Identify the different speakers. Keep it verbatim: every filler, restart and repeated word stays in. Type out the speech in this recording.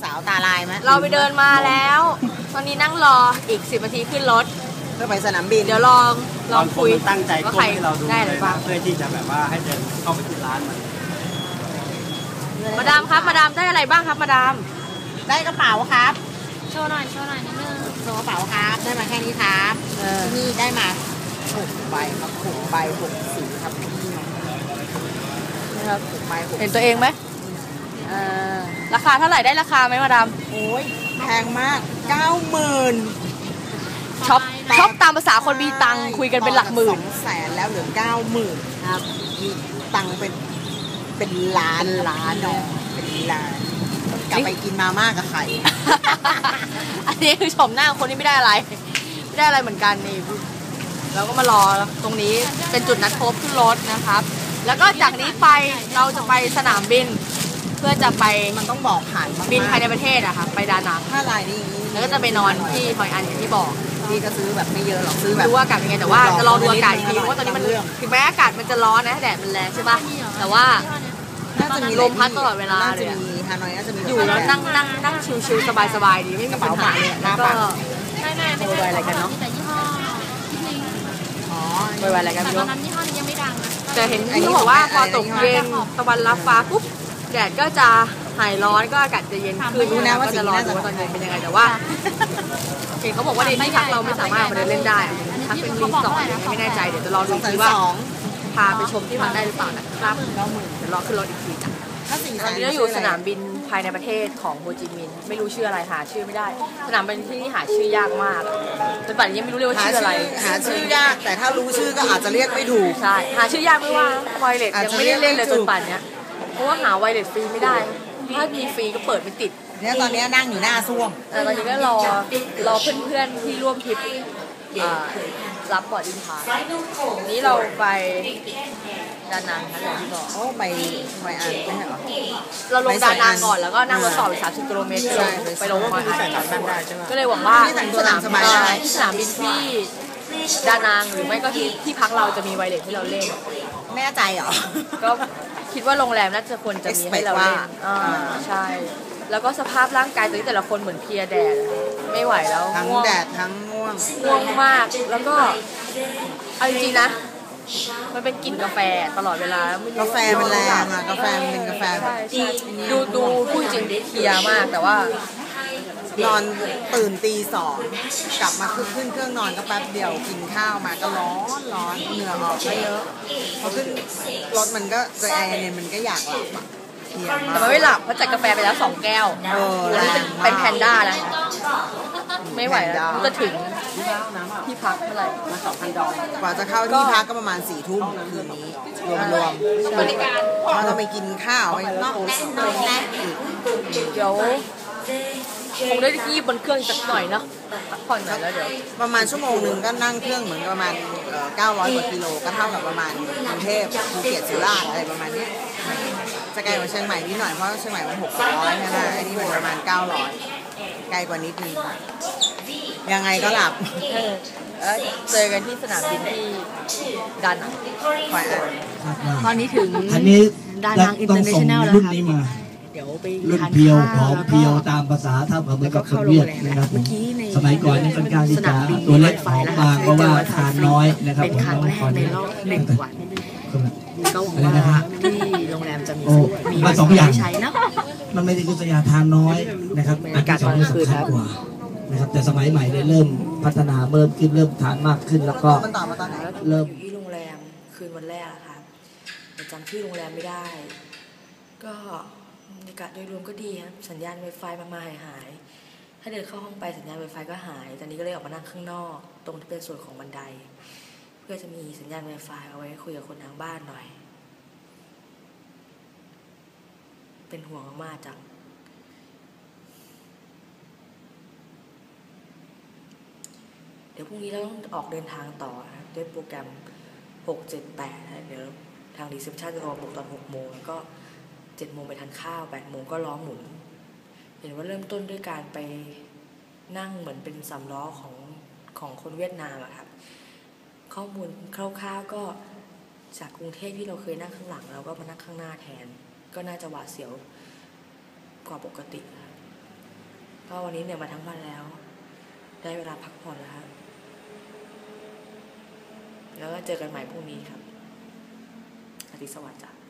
Speaker 1: าวตาลายไหม
Speaker 2: เราไปเดินมาแล้วตอนนี้นั่งรออีกสิบนาทีขึ้นรถ
Speaker 1: เพื่อไปสนามบิน
Speaker 2: เดี๋ยวลองลองคุย
Speaker 3: ตั้งใจว่าใครเราดู
Speaker 2: ได้เลยบ้าง
Speaker 3: เพื่อที่จะแบบว่าให้เดินเข้าไปที่ร้านมัน
Speaker 2: มาดามครับมาดามได้อะไรบ้างครับมาดาม
Speaker 1: ได้กระเป๋าครับ
Speaker 4: โชว์หน่อยโชว์หน่อยนิดนึง
Speaker 1: โชว์กระเป๋าครับได้มาแค่นี้ครับที่นี่ได้มาหกใบครับหกใบหกสีครับพี่
Speaker 2: นะครับหกใบเห็นตัวเองไหมราคาเท่าไหร่ได้ราคาไหมมาดาม
Speaker 1: โอ้ยแพงมากเก้าหมื่น
Speaker 2: ช็อปช็อปตามภาษาคนมีตังคุยกันเป็นหลักหมื่น
Speaker 1: สองแสนแล้วเหลือเก้าหมื่นครับมีตังเป็นเป็นล้านล้านเนาะเป็นล้านกลับไปกินมาม่ากับไข่
Speaker 2: อันนี้คือชมหน้าคนนี้ไม่ได้อะไรไม่ได้อะไรเหมือนกันนี่เราก็มารอตรงนี้เป็นจุดนัดพบขึ้นรถนะครับแล้วก็จากนี้ไปเราจะไปสนามบินเพื่อจะไป
Speaker 1: มันต้องบอกผ่าน
Speaker 2: บินภายในประเทศอะค่ะไปดานัง
Speaker 1: ถ้ารายนี้
Speaker 2: แล้วก็จะไปนอนที่ฮอยอันอย่างที่บอก
Speaker 1: พี่ก็ซื้อแบบไม่เยอะหรอกซื้อแบบ
Speaker 2: ดูอากาศเป็นไงแต่ว่าจะลองดูอากาศอีกทีเพราะว่าตอนนี้มันถึงแม้อากาศมันจะร้อนนะแดดมันแรงใช่ป่ะแต่ว่า
Speaker 1: น่าจะมี
Speaker 2: ลมพัดตลอดเวลาเลย
Speaker 1: ฮานอยน่าจะมี
Speaker 2: อยู่แล้วนั่งนั่งนั่งชิลๆสบายๆดีไม่มีปัญหาเลยแล้วก็
Speaker 4: ไม่ไม่ไม่ใช่อะไรกันเนาะแต่ยี่ห้อคิดลิง
Speaker 2: อ๋อไวๆอะไรกัน
Speaker 4: ตอนนั้นยี่ห้อนี้ยังไม่ดังนะ
Speaker 2: แต่เห็นที่บอกว่าพอตกเย็นตะวันรับฟ้าปุ๊บแดดก็จะหายร้อนก็อากาศจะเย็นขึ้นนะว่าจะร้อนว่าตอนเย็นเป็นยังไงแต่ว่าเห็นเขาบอกว่าในที่พักเราไม่สามารถมาเดินเล่นได้พักเป็นรีสอร์ทไม่แน่ใจเดี๋ยวจะรอดูทีว่าพาไปชมที่พักได้หรือเปล่านะครับเดี๋ยวรอขึ้นรถอีกทีจ้ะตอนนี้เราอยู่สนามบินภายในประเทศของโฮจิมินห์ไม่รู้ชื่ออะไรหาชื่อไม่ได้สนามบินที่นี่หาชื่อยากมากจนป่านนี้ยังไม่รู้เลยว่าชื่ออะไร
Speaker 1: หาชื่อยากแต่ถ้ารู้ชื่อก็อาจจะเรียกไม่ถูก
Speaker 2: ใช่หาชื่อยากไม่ว่าไวเลสยังไม่ได้เล่นเลยจนป่านนี้เพราะว่าหาไวเลสฟรีไม่ได้ถ้ามีฟรีก็เปิดไม่ติด
Speaker 1: เนี่ยตอนนี้นั่งอยู่หน้าซ่วม
Speaker 2: แต่ตอนนี้ก็รอรอเพื่อนๆที่ร่วมทริปรับบอร์ดอินพาสนี้เราไปดานังค่ะอย่างที่บอก
Speaker 1: โอ้ไปไปอ่านไม่ใช่หรอ
Speaker 2: เราลงดานังก่อนแล้วก็นั่งรถต่อไปสามสิบกิโลเมตรไปลงไปอ่านก็เลยหวังว่าสนามสนามบินที่ดานังหรือไม่ก็ที่ที่พักเราจะมีไวเลสให้เราเล่น
Speaker 1: แน่ใจเหรอ
Speaker 2: ก็คิดว่าโรงแรมน่าจะควรจะมีให้เราเล่นใช่แล้วก็สภาพร่างกายแต่ละคนเหมือนเพลียแดดไม่ไหวแล้ว
Speaker 1: ทั้งแดดทั้งง่วง
Speaker 2: ง่วงมากแล้วก็เอาจริงๆนะมันเป็นกลิ่นกาแฟตลอดเวลาก
Speaker 1: าแฟมันแรงอะกาแฟมันเป็นกาแฟ
Speaker 2: ดูดูพูดจริงเพลียมากแต่ว่
Speaker 1: านอนตื่นตีสองกลับมาขึ้นเครื่องนอนก็แป๊บเดียวกินข้าวมาก็ร้อนร้อนเหงื่อออกไม่เยอะพอขึ้นรถมันก็ใจแอร์เนี่ยมันก็อยากหลับอ่ะ
Speaker 2: แต่มันไม่หลับเพราะจัดกาแฟไปแล้วสองแก้วแล้วนี่เป็นแพนด้าแล้วไม่ไหวแล้วจะถึงที่พักเท่าไหร่มาสองพันดอล
Speaker 1: กว่าจะเข้าที่พักก็ประมาณสี่ทุ่มคืนนี้รวมๆบริการเราต้องไปกินข้าวไปนอกนอกแน่อีก
Speaker 2: เดี๋ยวคงได้ที่บนเครื่องสักหน่อยเนาะพักผ่อนหน่อยแล้วเดี๋ยว
Speaker 1: ประมาณชั่วโมงหนึ่งก็นั่งเครื่องเหมือนประมาณเก้าร้อยกว่ากิโลก็เท่ากับประมาณกรุงเทพภูเก็ตสุราษฎร์อะไรประมาณนี้จะไกลกว่าเชียงใหม่นิดหน่อยเพราะเชียงใหม่มันหกร้อยใช่ไหมอันนี้มันประมาณเก้าร้อยไกลกว่านิดนึงยังไงก็หลับ
Speaker 2: เจอกันที่สนามบินที่ดานังตอนนี้ถึง
Speaker 5: อันนี้
Speaker 2: ดานังอินเตอร์เนชั่นแนลแล้วค่ะเดี๋ยวไป
Speaker 5: รุ่นเพียวหอมเพียวตามภาษาถ้าเหมือนกับคนเวียดนะครับสมัยก่อนนี่ค่อนข้างที่จะตัวเล็กหอมบางเพราะว่าทานน้อยนะครับ
Speaker 2: เป็นครั้งแรกในรอบหนึ่งวันก็หวังว่าที่โรงแรมจะมี
Speaker 5: มีมาสองอย่างมันไม่ได้คือสยาทานน้อยนะครับอากาศสองนี่สำคัญกว่านะครับแต่สมัยใหม่เนี่ยเริ่มพัฒนาเพิ่มขึ้นเริ่มทานมากขึ้นแล้วก็เริ่ม
Speaker 2: ที่โรงแรมคืนวันแรกค่ะจำชื่อโรงแรมไม่ได้ก็บรรยากาศโดยรวมก็ดีครับสัญญาณ Wi-Fi มามาหายหายถ้าเดินเข้าห้องไปสัญญาณ Wi-Fi ก็หายตอนนี้ก็เลยออกมานั่งข้างนอกตรงที่เป็นส่วนของบันไดเพื่อจะมีสัญญาณ Wi-Fi เอาไว้คุยกับคนทางบ้านหน่อยเป็นห่วงมากจังเดี๋ยวพรุ่งนี้เราต้องออกเดินทางต่อด้วยโปรแกรมหก เจ็ด แปดเดี๋ยวทางรีเซพชันจะรอบุกตอนหกโมงแล้วก็เจ็ดโมงไปทานข้าวแปดโมงก็ล้อหมุนเห็นว่าเริ่มต้นด้วยการไปนั่งเหมือนเป็นสำล้อของของคนเวียดนามอะครับข้อมูลคร่าวๆก็จากกรุงเทพที่เราเคยนั่งข้างหลังเราก็มานั่งข้างหน้าแทนก็น่าจะหวาดเสียวกว่าปกติก็วันนี้เหนื่อยมาทั้งวันแล้ว ได้เวลาพักผ่อนแล้วครับแล้วก็เจอกันใหม่พรุ่งนี้ครับอาทิตย์สวัสดิ์จ้ะ